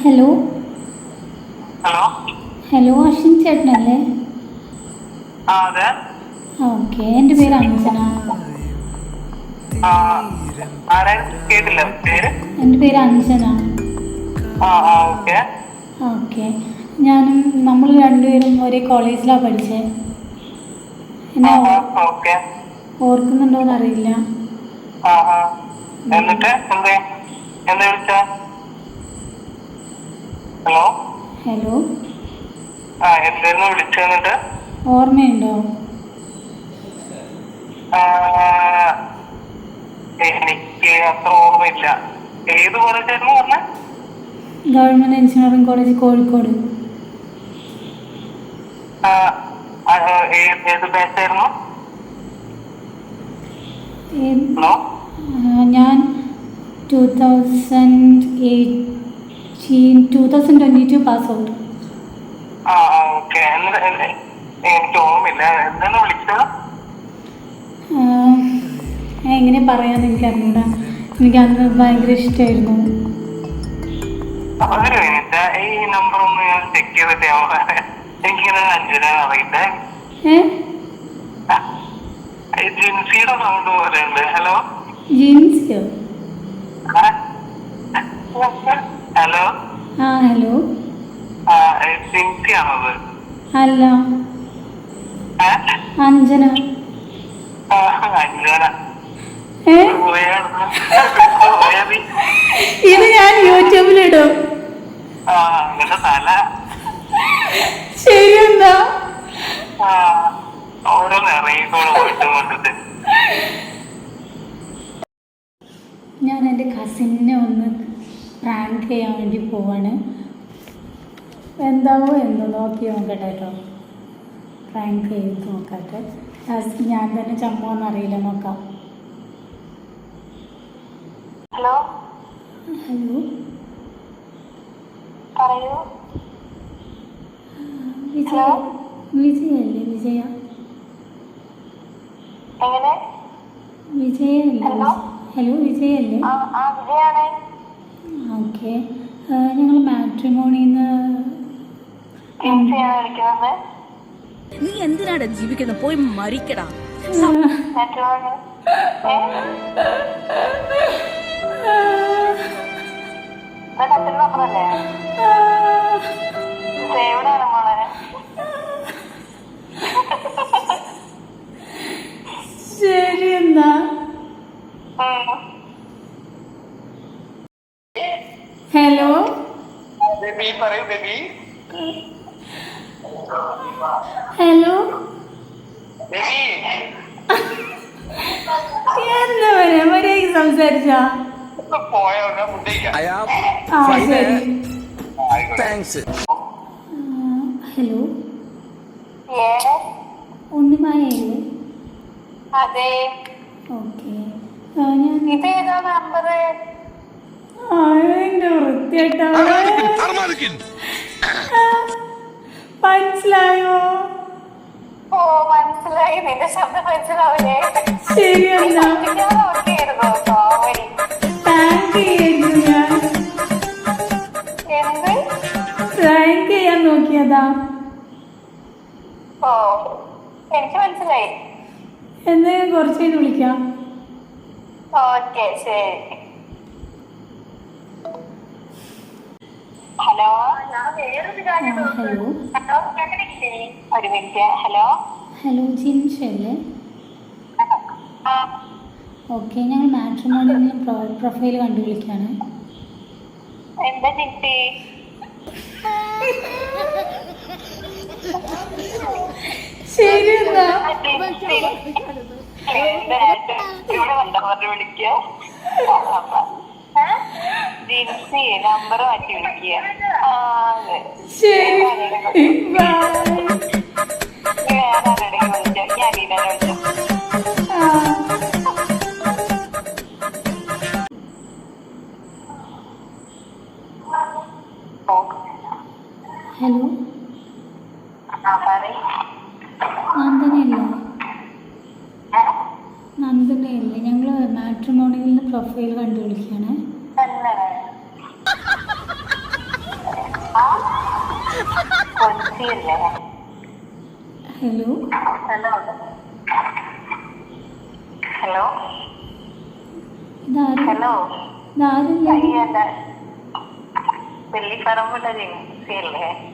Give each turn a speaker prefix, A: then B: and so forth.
A: Hello
B: hello
A: hello Ashwin ചേട്ടനല്ലേ?
B: അതെ.
A: Okay, എൻ്റെ പേര് അഞ്ജന.
B: കേട്ടില്ല പേര്.
A: എൻ്റെ പേര് അഞ്ജന.
B: ഓക്കെ
A: ഓക്കെ, ഞാനും നമ്മൾ രണ്ടുപേരും ഒരേ കോളേജിലാണ് പഠിച്ചത്. എന്നെ
B: ഓക്കെ.
A: ഓർക്കുന്നുണ്ടോയെന്ന് അറിയില്ല.
B: എന്നിട്ട് എന്താ വിളിച്ച? ഹലോ
A: ഹലോ
B: എന്തായിരുന്നു വിളിച്ചെന്നിട്ട്?
A: ഓർമ്മയുണ്ടോ?
B: എനിക്ക് അത്ര ഓർമ്മയില്ല. ഏത് കോളേജായിരുന്നു പറഞ്ഞ?
A: Government engineering college, Kozhikode.
B: ഏത് ബാച്ചായിരുന്നു? ഹലോ
A: ഞാൻ 2022 പാസ് ഔട്ട്.
B: ഓക്കെ. എനിക്ക് ഓർമ്മയില്ല. എന്താണ് വിളിച്ചത്?
A: എങ്ങനെ പറയാന്ന് എനിക്ക് അറിഞ്ഞൂടാ. എനിക്ക് അന്ന് ഭയങ്കര ഇഷ്ടമായിരുന്നു.
B: ഒരു മിനിറ്റ്, ഈ നമ്പർ ഒന്ന് ഞാൻ ചെക്ക് ചെയ്തിട്ട് എനിക്കിങ്ങനെ അഞ്ജന അറിയില്ല. ജിൻസിയുടെ സൗണ്ട് പോലെ ഉണ്ട്. ഹലോ
A: ജിൻസിയോ?
B: Hello
A: hello.
B: ജിൻസി ആണത്?
A: അല്ല, അഞ്ജന.
B: അഞ്ജന
A: ഇത് ഞാൻ യൂട്യൂബിലിടും.
B: അങ്ങനെ തല
A: ശരി, എന്താ
B: ഓരോന്ന് ഇറങ്ങിക്കോളൂ പോയിട്ട് കൊണ്ടിട്ട്.
A: ഞാൻ എൻ്റെ കസിനെ ഒന്ന് പ്രാങ്ക് ചെയ്യാൻ വേണ്ടി പോവാണ്. എന്താവോ എന്തോ നോക്കി നോക്കട്ടെ കേട്ടോ. പ്രാങ്ക് ചെയ്ത് നോക്കട്ടെ. ഞാൻ തന്നെ ചമ്മോന്നറിയില്ല, നോക്കാം.
B: ഹലോ
A: ഹലോ,
B: പറയൂ.
A: വിജയല്ലേ? വിജയ
B: എങ്ങനെ?
A: വിജയല്ലേ? ഹലോ, വിജയല്ലേ?
B: വിജയാണ്.
A: ഓക്കെ, ഞങ്ങൾ മാട്രിമോണിന്ന്.
C: നീ എന്തിനാടാ ജീവിക്കുന്നത്? പോയി മരിക്കടാ.
A: ശരി, എന്നാ ഹലോ.
B: ബേബി പറയൂ. ബേബി
A: ഹലോ,
B: ബേബി
A: എന്താ പറയാ? മര്യാദയ്ക്ക് സംസാരിച്ചാ?
B: പോയോ?
A: ശരി. ഹലോ, ഉണ്ണിമായല്ലേ?
B: അതെ.
A: ഓക്കെ, ഞാൻ
B: ഇതേതാ നമ്പർ?
A: എൻ്റെ വൃത്തിയായിട്ടാ. മനസ്സിലായോ?
B: ഓ, മനസ്സിലായി. നിന്റെ ശബ്ദം മനസ്സിലാവില്ലേ?
A: ശരി, എന്നാ പ്രാങ്ക് ചെയ്യാൻ നോക്കിയതാ.
B: ഓ, എനിക്ക് മനസ്സിലായി.
A: എന്നാ ഞാൻ കുറച്ച് കഴിഞ്ഞ് വിളിക്കാം.
B: ഓക്കെ, ശരി. Hello,
A: hello.
B: ഒരു മിനിറ്റ്. ഹലോ
A: ഹലോ, ജിൻഷല്ലേ? ഓക്കെ, ഞങ്ങൾ മാട്രിമോണിയിൽ പ്രൊഫൈൽ കണ്ടു വിളിക്കുകയാണ്.
B: എന്താ ജിൻസി?
A: ശരി, എന്നാ
B: വിളിക്കുക. ജിൻസി നമ്പർ മാറ്റി വിളിക്കുക.
A: ശരി, ബൈ.
B: വേറെ വിളിച്ചോ? ഞാൻ ലീനനെ വിളിച്ചോ?
A: ഹലോ, നന്ദനയല്ലേ? നന്ദനയല്ലേ? ഞങ്ങൾ മാട്രിമോണിയിൽ പ്രൊഫൈൽ കണ്ടു വിളിക്കുകയാണ്.
B: സീയല്ലേ?
A: ഹലോ
B: ഹലോ ഹലോ
A: ഇതാരും
B: ഹലോ
A: ഇതാരില്ല
B: വെള്ളിപ്പറമ്പുള്ള സീയല്ലേ?